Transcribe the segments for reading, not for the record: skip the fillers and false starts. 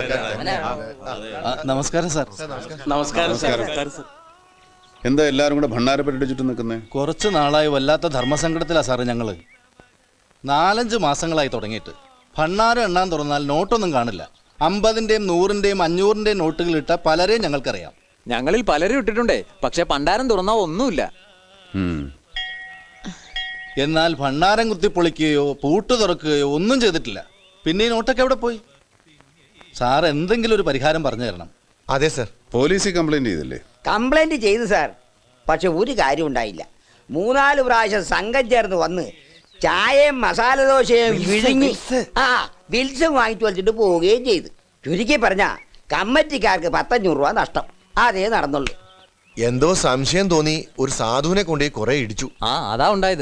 നമസ്കാരം സാർ. നമസ്കാരം സാർ. എന്താ എല്ലാരും കൂടെ ഭണ്ണാരപ്പേട്ട ചുറ്റും നിൽക്കുന്നേ? കുറച്ച് നാളായി വല്ലാത്ത ധർമ്മസങ്കടത്തിലാ സാറ് ഞങ്ങള്. 4-5 മാസങ്ങളായി തുടങ്ങിയിട്ട്. ഭണ്ണാരം എണ്ണാൻ തുറന്നാൽ നോട്ടൊന്നും കാണില്ല. 50-ന്റെയും 100-ന്റെയും 500-ന്റെയും നോട്ടുകൾ ഇട്ട പലരെയും ഞങ്ങൾക്കറിയാം. ഞങ്ങളിൽ പലരും ഇട്ടിട്ടുണ്ടേ, പക്ഷെ ഭണ്ഡാരം തുറന്നാ ഒന്നുമില്ല. എന്നാൽ ഭണ്ണാരം കുത്തിപ്പൊളിക്കുകയോ പൂട്ട് തുറക്കുകയോ ഒന്നും ചെയ്തിട്ടില്ല. പിന്നെ ഈ നോട്ടൊക്കെ എവിടെ പോയി? സാർ എന്തെങ്കിലും ഒരു പരിഹാരം പറഞ്ഞു തരണം. അതെ സാർ. പോലീസിൽ കംപ്ലൈന്റ് ചെയ്തില്ലേ? കംപ്ലൈന്റ് ചെയ്തു സാർ. പക്ഷെ ഒരു കാര്യം ഉണ്ടായില്ല. 3-4 പ്രാവശ്യം സംഘം ചേർന്ന് വന്ന് ചായയും മസാല ദോശയും വിഴുങ്ങി ബിൽസും വാങ്ങിച്ചു വലിച്ചിട്ട് പോവുകയും ചെയ്തു. ചുരുക്കി പറഞ്ഞ കമ്മിറ്റിക്കാർക്ക് 1,500 രൂപ നഷ്ടം. അതേ നടന്നുള്ളൂ. എന്തോ സംശയം തോന്നി ഒരു സാധുവിനെ കൊണ്ട് കുറെ ഇടിച്ചു. അതാ ഉണ്ടായത്.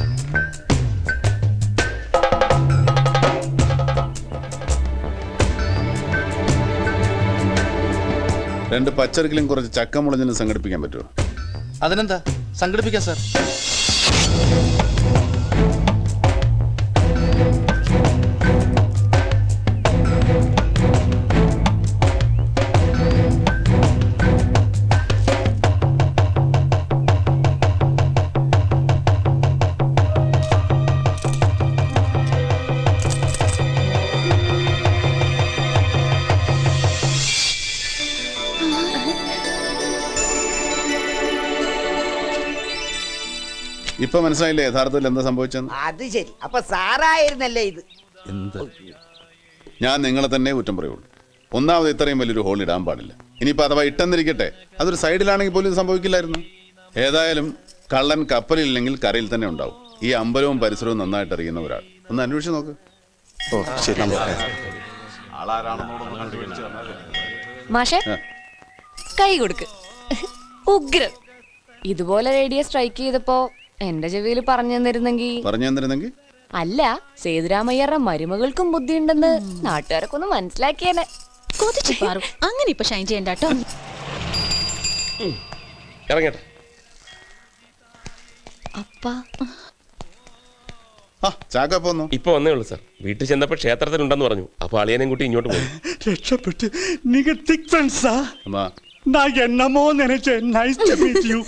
രണ്ട് പച്ചറിക്കലും കുറച്ച് ചക്കമുളഞ്ഞിനും സംഘടിപ്പിക്കാൻ പറ്റുമോ? അതിനെന്താ, സംഘടിപ്പിക്കാം സാർ. ഇപ്പൊ മനസ്സിലായില്ലേ യഥാർത്ഥത്തിൽ എന്താ സംഭവിച്ചെന്ന്? അത് ശരി. അപ്പൊ സാറായിരുന്നല്ലേ ഇത്? എന്ത്? ഞാൻ നിങ്ങളെ തന്നെ കുറ്റം പറയുള്ളൂ. ഒന്നാമത് ഇത്രയും വലിയൊരു ഹോൾ ഇടാൻ പാടില്ല. ഇനിയിപ്പോൾ അഥവാ ഇട്ടെന്നിരിക്കട്ടെ, അതൊരു സൈഡിലാണെങ്കിൽ പോലും സംഭവിക്കില്ലായിരുന്നു. ഏതായാലും കള്ളൻ കപ്പലില്ലെങ്കിൽ കരയിൽ തന്നെ ഉണ്ടാവും. ഈ അമ്പലവും പരിസരവും നന്നായിട്ട് അറിയുന്ന ഒരാൾ ഒന്ന് അന്വേഷിച്ച് നോക്ക്. മാഷേ, കൈ കൊടുക്ക്. ഉഗ്രം. ഇതുപോലെ റേഡിയോ സ്ട്രൈക്ക് ചെയ്തപ്പോ എന്റെ ചെവിയിൽ പറഞ്ഞു തന്നിരുന്നെങ്കിൽ അല്ല, സേതുരാമയ്യരുടെ മരുമകൾക്കും ബുദ്ധിയുണ്ടെന്ന് നാട്ടുകാരൊക്കെ ഒന്ന് മനസ്സിലാക്കിയേനെ. അങ്ങനെ ഇപ്പൊ ഷൈൻ ചെയ്യണ്ട കേട്ടോ. ഇറങ്ങട്ടെ. അപ്പാ ഇപ്പൊ വന്നേ ഉള്ളൂ സാർ. വീട്ടിൽ ചെന്നപ്പോ ക്ഷേത്രത്തിലുണ്ടെന്ന് പറഞ്ഞു. അപ്പൊ അളിയനെയും കൂട്ടി ഇങ്ങോട്ട് പോയി. രക്ഷപ്പെട്ട്. നിങ്ങൾ തിക് ഫ്രണ്ട്സാ? நான் என்னமோ நினைச்சேன். Nice to meet you.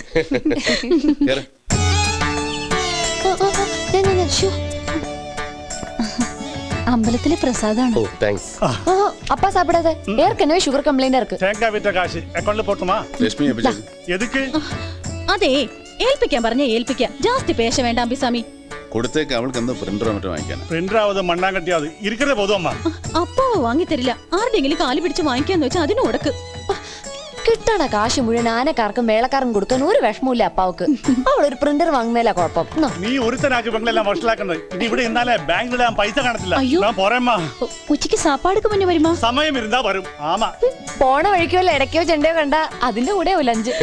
അമ്പലത്തിലെ പ്രസാദാണ്. ഓ താങ്ക്സ്. அப்பா சாப்பிடாத. ஏற்கனவே சுகர் கம்ப்ளைண்ட் இருக்கு. தேங்காய் வித்த காசு அக்கவுண்ட்ல போட்டுமா? ലക്ഷ്മി எதுக்கு? അതെ, ഏൽപ്പിക്കാൻ പറഞ്ഞ ഏൽപ്പിക്കാം. ജാസ്തി പേശ വേണ്ട അമ്പിസ്വാമി. കൊടുത്തേക്ക്. അവൾക്ക് എന്താ പ്രിന്ററോ മറ്റോ വാങ്ങിക്കാനാ? പ്രിന്ററാവത് മണ്ണാങ്കട്ടിയാവത് ഇരിക്കണേ പോതും അമ്മ. അപ്പാവ് വാങ്ങി തരില്ല. ആരുടെങ്കിലും കാല് പിടിച്ച് വാങ്ങിക്കാന്ന് വെച്ചാൽ അതിന് കൊടുക്ക്. കിട്ടണ കാശ് മുഴുവൻ ആനക്കാർക്കും വേളക്കാർക്കും കൊടുക്കാൻ ഒരു വിഷമമില്ല അപ്പാവക്ക്. അവളൊരു പ്രിന്റർ വാങ്ങുന്നതിലാ കുഴപ്പം. നീ ഒരുത്തനാക്കി പെങ്ങളെല്ലാം വഷളാക്കുന്നത്. ഇനി ഇവിടെ ഇന്നാലെ ബാങ്കിലിടാൻ പൈസ കാണത്തില്ല. ഞാൻ പോരേമ്മാ. ഉച്ചയ്ക്ക് സാപ്പാടുക്ക് മുന്നേ വരുമാ? സമയം ഇരുന്നാ വരും. ആമാ. പോണ വഴിക്കോ ഇടയ്ക്കോ ചെണ്ടയോ കണ്ട അതിന്റെ കൂടെ ലഞ്ച്.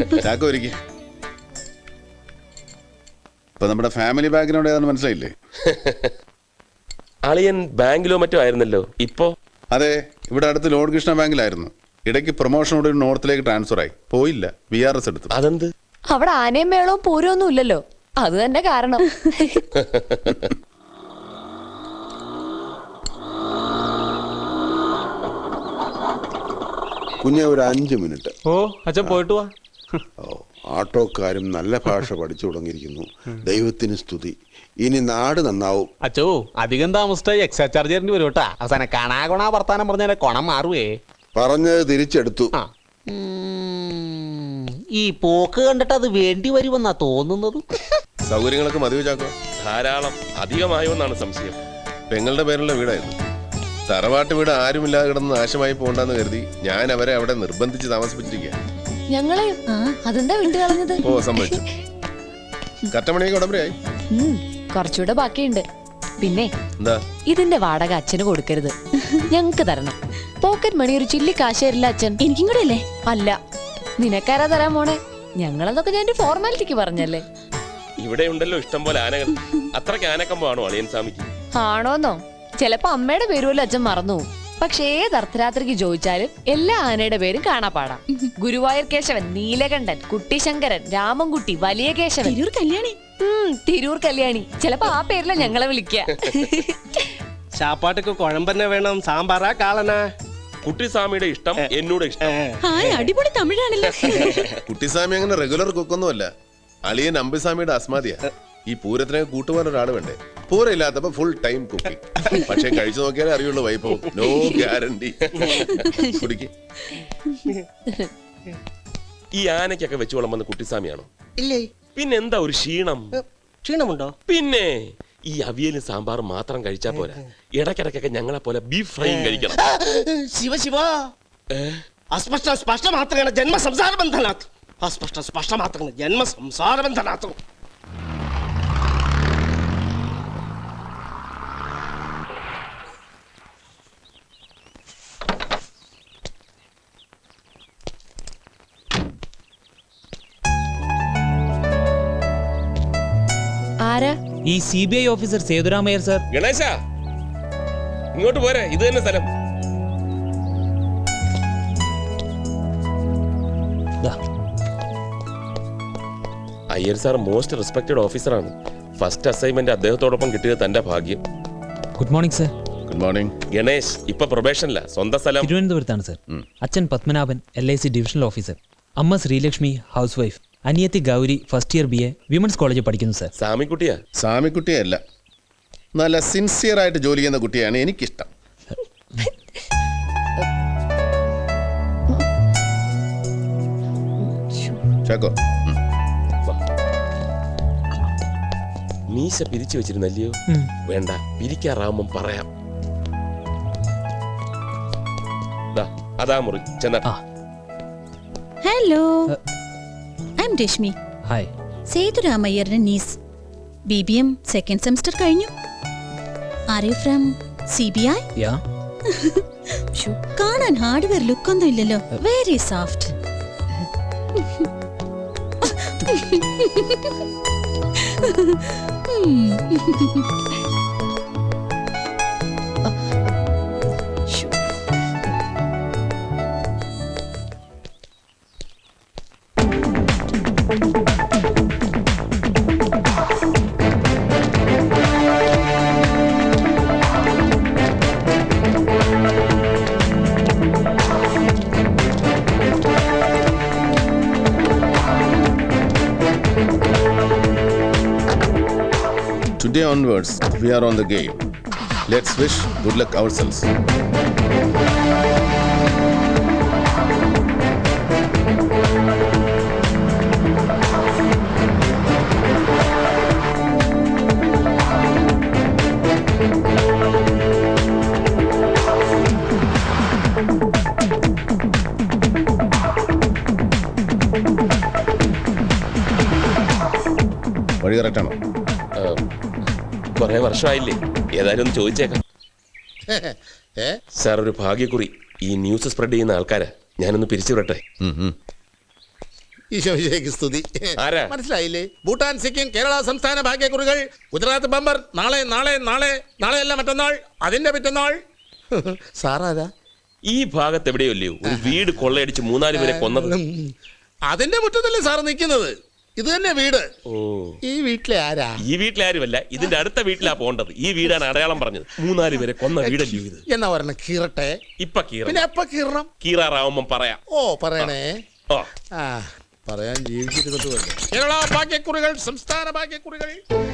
ഇപ്പൊ നമ്മുടെ ഫാമിലി ബാക്ക്ഗ്രൗണ്ട് ഏതാണെന്ന് മനസ്സിലായില്ലേ? അളിയൻ ബാങ്കിലോ മറ്റോ ആയിരുന്നല്ലോ. ഇപ്പോ? അതെ, ഇവിടെ അടുത്ത് ലോഡ് കൃഷ്ണ ബാങ്കിലായിരുന്നു. ഇടയ്ക്ക് പ്രൊമോഷനോട് നോർത്തിലേക്ക് ട്രാൻസ്ഫർ ആയി. പോയില്ല, VRS എടുത്തു. അതെന്ത്? അവിടെ ആനയും മേളവും പൂരമൊന്നും ഇല്ലല്ലോ, അത് തന്നെ കാരണം. കുഞ്ഞെ ഒരു 5 മിനിറ്റ്. ഓ അച്ഛൻ പോയിട്ട് വാ. ആട്ടോക്കാരും നല്ല ഭാഷ പഠിച്ചു തുടങ്ങിയിരിക്കുന്നു. ദൈവത്തിന് സ്തുതി. ഇനി നാട് നന്നാവും. അച്ചോ, അധികം താമസിച്ചായി എക്സ്ട്രാ ചാർജ് തരേണ്ടി വരും കേട്ടാ. അവസാനം കണാകൊണാ വർത്താനം പറഞ്ഞാൽ കൊണം മാറുവേ. പറഞ്ഞത് തിരിച്ചെടുത്തു. ഈ പോക്ക് കണ്ടിട്ട് അത് വേണ്ടി വരുമെന്നാ തോന്നുന്നത്. സൗകര്യങ്ങളൊക്കെ മതി ചാക്കോ. ധാരാളം അധികമായോ എന്നാണ് സംശയം. പെങ്ങളുടെ പേരുള്ള വീടായിരുന്നു. തറവാട്ട് വീട് ആരുമില്ലാതെ കിടന്ന് നാശമായി പോകണ്ടെന്ന് കരുതി ഞാൻ അവരെ അവിടെ നിർബന്ധിച്ച് താമസിപ്പിച്ചിരിക്കുക. ഞങ്ങളെ അതെന്താ വിട്ടു കളഞ്ഞത്? ഓ സംഭവിച്ചു. കറ്റമണിയൊക്കെ ഉടമ്പടിയായി. കുറച്ചുകൂടെ ബാക്കിയുണ്ട്. പിന്നെ എന്താ? ഇതിന്റെ വാടക അച്ഛന് കൊടുക്കരുത്, ഞങ്ങക്ക് തരണം. പോക്കറ്റ് മണി ഒരു ചില്ലി കാശ് തരില്ല അച്ഛൻ. എനിക്കും കൂടെ അല്ലേ? അല്ല, നിനക്കാരാ തരാൻ പോണേ? ഞങ്ങളതൊക്കെ ഞാൻ ഫോർമാലിറ്റിക്ക് പറഞ്ഞല്ലേ. ഇവിടെ ഉണ്ടല്ലോ ഇഷ്ടം പോലെ ആനകൾ. അത്രയ്ക്ക് ആനക്കമ്പോ ആണോ അളിയൻ സ്വാമിക്ക്? ആണോന്നോ? ചിലപ്പോ അമ്മയുടെ പേരുമല്ലോ അച്ഛൻ മറന്നു. പക്ഷേ ഏത് അർദ്ധരാത്രിക്ക് ചോദിച്ചാലും എല്ലാ ആനയുടെ പേരും കാണാപ്പാടാം. ഗുരുവായൂർ കേശവൻ, നീലകണ്ഠൻ, കുട്ടിശങ്കരൻ, രാമൻകുട്ടി, വലിയ കേശവൻ, തിരൂർ കല്യാണി. തിരൂർ കല്യാണി. ചിലപ്പോ ആ പേരില ഞങ്ങളെ വിളിക്ക. ചാപ്പാട്ടൊക്കെ കുഴമ്പന്നെ വേണം. സാമ്പാറാ കാളനാ? കുട്ടിസ്വാമിയുടെ ഇഷ്ടം എന്നോട് ഇഷ്ടം. ഹായ് അടിപൊളി തമിഴാണല്ലോ. കുട്ടിസ്വാമി അങ്ങനെ റെഗുലർ കുക്കൊന്നുമല്ല. അളിയൻ അമ്പിസ്വാമിയുടെ അസ്മാദിയാ. ഈ പൂരത്തിനൊക്കെ കൂട്ടുപോകാൻ ഒരാൾ വേണ്ടേ? പൂരം ഇല്ലാത്തപ്പോ ഫുൾ ടൈം കുക്കിംഗ്. പക്ഷെ കഴിച്ചു നോക്കിയാലേ അറിയുള്ളൂ വൈഭവം. No guarantee. കുടിക്ക്. ഈ ആനയ്ക്കൊക്കെ വെച്ച് വിളമ്പുന്ന കുട്ടിസ്വാമിയാണോ? ഇല്ലേ. പിന്നെ എന്താ ഒരു ക്ഷീണം? ക്ഷീണമുണ്ടോ? പിന്നെ ഈ അവിയലും സാമ്പാറും മാത്രം കഴിച്ചാ പോരാ, ഇടയ്ക്കിടയ്ക്കൊക്കെ ഞങ്ങളെ പോലെ ബീഫ് ഫ്രൈയും കഴിക്കണം. ಶಿವ ಶಿವ ಅಸ್ಪಷ್ಟ ಸ್ಪಷ್ಟ ಮಾತ್ರಗಳ ಜನ್ಮ ಸಂಸಾರ ಬಂಧನಾತು. ಅಸ್ಪಷ್ಟ ಸ್ಪಷ್ಟ ಮಾತ್ರಗಳ ಜನ್ಮ ಸಂಸಾರ ಬಂಧನಾತು. ആരാ? ഈ CBI officer Sethuramaiyer sir. Ganesha ഇങ്ങോട്ട് പോരെ, ഇത് തന്നെ സ്ഥലം. അയ്യർ സാർ മോസ്റ്റ് റെസ്പെക്റ്റഡ് ഓഫീസറാണ്. ഫസ്റ്റ് അസൈൻമെന്റ് അദ്ദേഹത്തോടൊപ്പം കിട്ടിയത് തന്റെ ഭാഗ്യം. Good morning sir. Good morning. Ganesh ഇപ്പൊ പ്രൊബേഷനില്ല. സ്വന്തം സ്ഥലം തിരുവനന്തപുരത്താണ് സർ. അച്ഛൻ പത്മനാഭൻ LIC ഡിവിഷണൽ ഓഫീസർ. അമ്മ ശ്രീലക്ഷ്മി ഹൗസ് വൈഫ്. അനിയത്തി Gowri first year BA women's കോളേജിൽ പഠിക്കുന്നു സർ. സാമിക്കുട്ടിയാ? സാമിക്കുട്ടിയല്ല, നല്ല സിൻസിയർ ആയിട്ട് ജോലി ചെയ്യുന്ന കുട്ടിയാണ് എനിക്കിഷ്ടം. ചാക്കോ, മീശ പിരിച്ചു വെച്ചിരുന്നല്ലയോ? വേണ്ട, പിരിക്കാറാവുമ്പം പറയാം. അതാ മുറി ചെന്ന. Hello, I am Rashmi. Hi. സേതുരാമയ്യറിന്റെ നീസ്. BBM സെക്കൻഡ് സെമസ്റ്റർ കഴിഞ്ഞു. Are you from CBI? Yeah. കാണാൻ ഹാർഡ്വെയർ ലുക്ക് ഒന്നും ഇല്ലല്ലോ. Very soft. Today onwards, we are on the game. Let's wish good luck ourselves. വഴി കറക്റ്റാണോ? കുറെ വർഷമായില്ലേ, ഏതായാലും ഒന്ന് ചോദിച്ചേക്കാം. സാർ, ഒരു ഭാഗ്യക്കുറി. ഈ ന്യൂസ് സ്പ്രെഡ് ചെയ്യുന്ന ആൾക്കാരാ. ഞാനൊന്ന് പിരിച്ചു വിടട്ടെ. സ്തുതി. ആരാ? മനസ്സിലായില്ലേ? ഭൂട്ടാൻ, സിക്കിം, കേരള സംസ്ഥാന ഭാഗ്യക്കുറികൾ. ഗുജറാത്ത് ബമ്പർ. നാളെ നാളെ നാളെ നാളെയല്ല മറ്റന്നാൾ, അതിന്റെ പിറ്റന്നാൾ. സാറാരാ? ഈ ഭാഗത്ത് എവിടെയല്ലയോ ഒരു വീട് കൊള്ളയടിച്ച് 3-4 പേരെ കൊന്നത്? അതിന്റെ മുറ്റത്തല്ലേ സാർ നിൽക്കുന്നത്? ഇത് തന്നെ വീട്. ഓ, ഈ വീട്ടിലെ ആരാ? ഈ വീട്ടിലെ ആരുമല്ല, ഇതിന്റെ അടുത്ത വീട്ടിലാ പോണ്ടത്. ഈ വീടാണ് അടയാളം പറഞ്ഞത്. 3-4 പേരെ കൊന്ന വീടല്ലയോ ഇത്? എന്നാ പറഞ്ഞ കീറട്ടെ. ഇപ്പൊ കീറ. പിന്നെ എപ്പ കീറണം? കീറാറാവുമ്പം പറയാം. ഓ, പറയണേ. ഓ, പറയാൻ ജീവിച്ചിരുന്നിട്ട് പോലെ. കേരള ഭാഗ്യക്കുറികൾ, സംസ്ഥാന ഭാഗ്യക്കുറികൾ.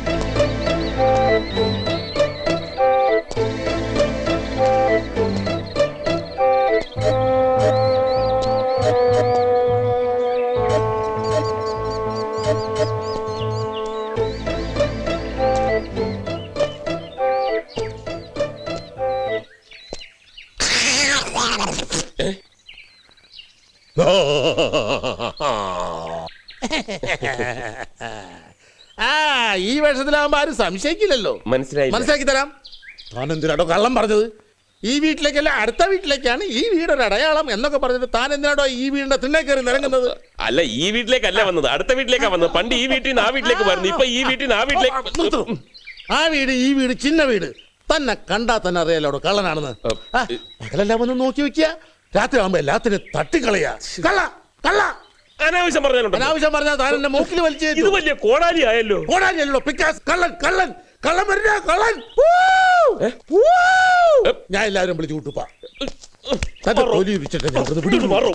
ഈ വേഷത്തിലാവുമ്പോ ആരും സംശയിക്കില്ലല്ലോ. മനസ്സിലാക്കി തരാം. താൻ എന്തിനാടോ കള്ളം പറഞ്ഞത്? ഈ വീട്ടിലേക്കല്ല, അടുത്ത വീട്ടിലേക്കാണ് ഈ വീടൊരു അടയാളം എന്നൊക്കെ പറഞ്ഞിട്ട് താൻ എന്തിനാടോ ഈ വീടിന്റെ തിണ്ണേ കയറി നിരങ്ങുന്നത്? അല്ല, ഈ വീട്ടിലേക്കല്ല വന്നത്, അടുത്ത വീട്ടിലേക്കാ വന്നത്. പണ്ട് ഈ വീട്ടിൽ നിന്ന് ആ വീട്ടിലേക്ക് വരുന്നു, ഇപ്പൊ ഈ വീട്ടിൽ നിന്ന് ആ വീട്ടിലേക്ക്. ആ വീട്, ഈ വീട് ചിന്ന വീട്. തന്നെ കണ്ടാ തന്നെ അറിയാലോ കള്ളനാണെന്ന്. മകളെല്ലാം ഒന്ന് നോക്കി വെക്കുക. രാത്രി ആവുമ്പോ എല്ലാത്തിനും തട്ടിക്കളയാ. കള്ള കള്ള അനാവശ്യം പറഞ്ഞാലുണ്ടോ? അനാവശ്യം പറഞ്ഞാൽ താൻ എന്റെ മൂക്കിൽ വലിച്ചു. ഇത് വലിയ കോടാലി ആയല്ലോ. കോടാലിയല്ലോ, പിക്കാസ്. കള്ളൻ കള്ളൻ കള്ളൻ വരുന്ന കള്ളൻ. ഞാൻ എല്ലാവരും വിളിച്ചു കൂട്ടുപ്പാ. തന്റെ തൊലി ഉരിച്ചിട്ട് ഞങ്ങൾക്ക് വിടുന്നു.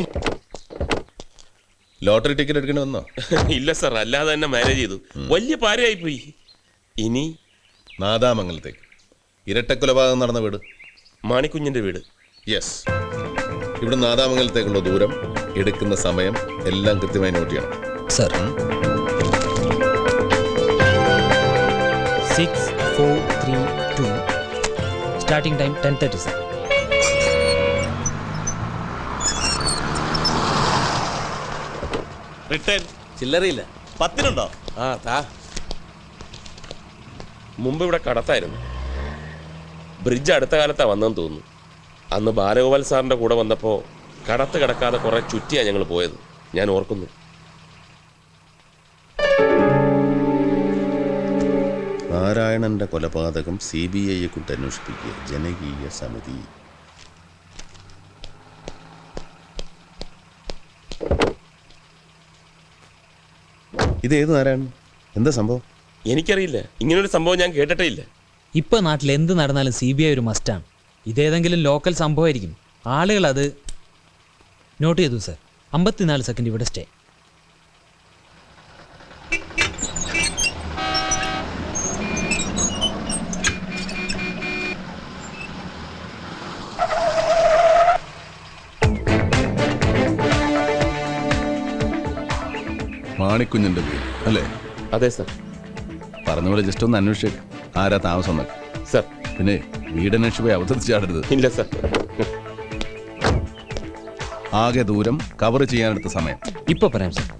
ലോട്ടറി ടിക്കറ്റ് എടുക്കേണ്ടി വന്നോ? ഇല്ല സാർ, അല്ലാതെ തന്നെ മാനേജ് ചെയ്തു. വലിയ പാരയായി പോയി. ഇനി നാദാമംഗലത്തേക്ക് ഇരട്ടക്കൊലപാതകം നടന്ന വീട് മാണിക്കുഞ്ഞിന്റെ വീട്. യെസ്. ഇവിടെ നാദാമംഗലത്തേക്കുള്ള ദൂരം, എടുക്കുന്ന സമയം എല്ലാം കൃത്യമായി നോട്ട് ചെയ്യണം. Sir 6432 starting time 10:30 sir. Return ചില്ലറയില്ല. 10-നുണ്ടോ? ആ താ. മുമ്പ് ഇവിടെ കടത്തായിരുന്നു. ബ്രിഡ്ജ് അടുത്ത കാലത്താ വന്നെന്ന് തോന്നുന്നു. അന്ന് ബാലഗോപാൽ സാറിന്റെ കൂടെ വന്നപ്പോൾ കടത്ത് കിടക്കാതെ കുറെ ചുറ്റിയാ ഞങ്ങൾ പോയത്, ഞാൻ ഓർക്കുന്നു. നാരായണന്റെ കൊലപാതകം CBI കൊണ്ട് അന്വേഷിപ്പിക്കുക, ജനകീയ സമിതി. ഇത് ഏത് നാരായണൻ? എന്താ സംഭവം? എനിക്കറിയില്ല, ഇങ്ങനൊരു സംഭവം ഞാൻ കേട്ടിട്ടേ ഇല്ല. ഇപ്പൊ നാട്ടിൽ എന്ത് നടന്നാലും CBI ഒരു മസ്റ്റാണ്. ഇതേതെങ്കിലും ലോക്കൽ സംഭവമായിരിക്കും. ആളുകൾ അത് നോട്ട് ചെയ്തു സർ. 54 സെക്കൻഡ് ഇവിടെ സ്റ്റേ. മാണിക്കുഞ്ഞിന്റെ വീട് അല്ലേ? അതെ സർ. പറഞ്ഞ പോലെ ജസ്റ്റ് ഒന്ന് അന്വേഷിച്ചേക്ക്, ആരാ താമസം എന്നൊക്കെ. സർ. പിന്നെ വീടന്വേഷിച്ച് പോയി അവതരിച്ചാടരുത്. ഇല്ല സർ. ആകെ ദൂരം, കവർ ചെയ്യാനെടുത്ത സമയം. ഇപ്പൊ പറയാം സർ.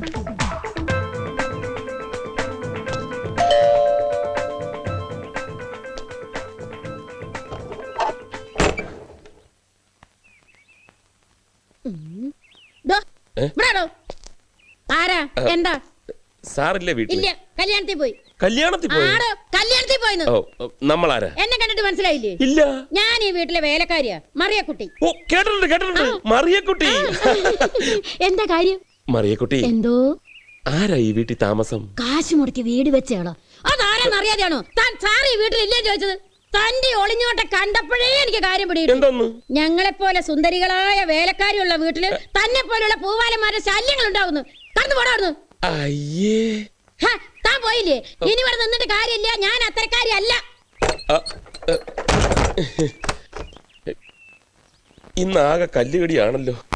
ആരാ? എന്താ? സാറില്ലേ വീട്ടിൽ? ഇല്ല, കല്യാണത്തിൽ പോയി. കല്യാണത്തിൽ പോയി? കല്യാണത്തിൽ പോയിന്ന്. ഓ, നമ്മളാരാ? എന്നെ കണ്ടിട്ട് മനസ്സിലായില്ലേ? ഇല്ല. ഞാൻ ഈ വീട്ടിലെ വേലക്കാരിയാ, മറിയക്കുട്ടി. ഓ, കേട്ടിട്ടുണ്ട്. മറിയക്കുട്ടി. എന്താ കാര്യം? മറിയക്കുട്ടി, എന്തോ? ആരാ ഈ വീട്ടിൽ താമസം? കാശ് മുടക്കി വീട് വെച്ചാണോ? അതാരെന്ന് അറിയാതെയാണോ താൻ സാറ് ഈ വീട്ടിലില്ലേ ചോദിച്ചത്? തന്റെ ഒളിഞ്ഞോട്ട കണ്ടപ്പോഴേ എനിക്ക് കാര്യം പിടിയിട്ടു. ഞങ്ങളെപ്പോലെ സുന്ദരികളായ വേലക്കാരിയുള്ള വീട്ടില് തന്നെ പോലുള്ള പൂവാലന്മാരുടെ ശല്യങ്ങൾ ഉണ്ടാവുന്നു. കടന്നു പോടാവുന്നു. അയ്യേ, താൻ പോയില്ലേ? ഇനി ഇവിടെ നിന്നിട്ട് കാര്യമില്ല. ഞാൻ അത്തരക്കാരിയല്ല. ഇന്നാകെ കല്ലുകടിയാണല്ലോ.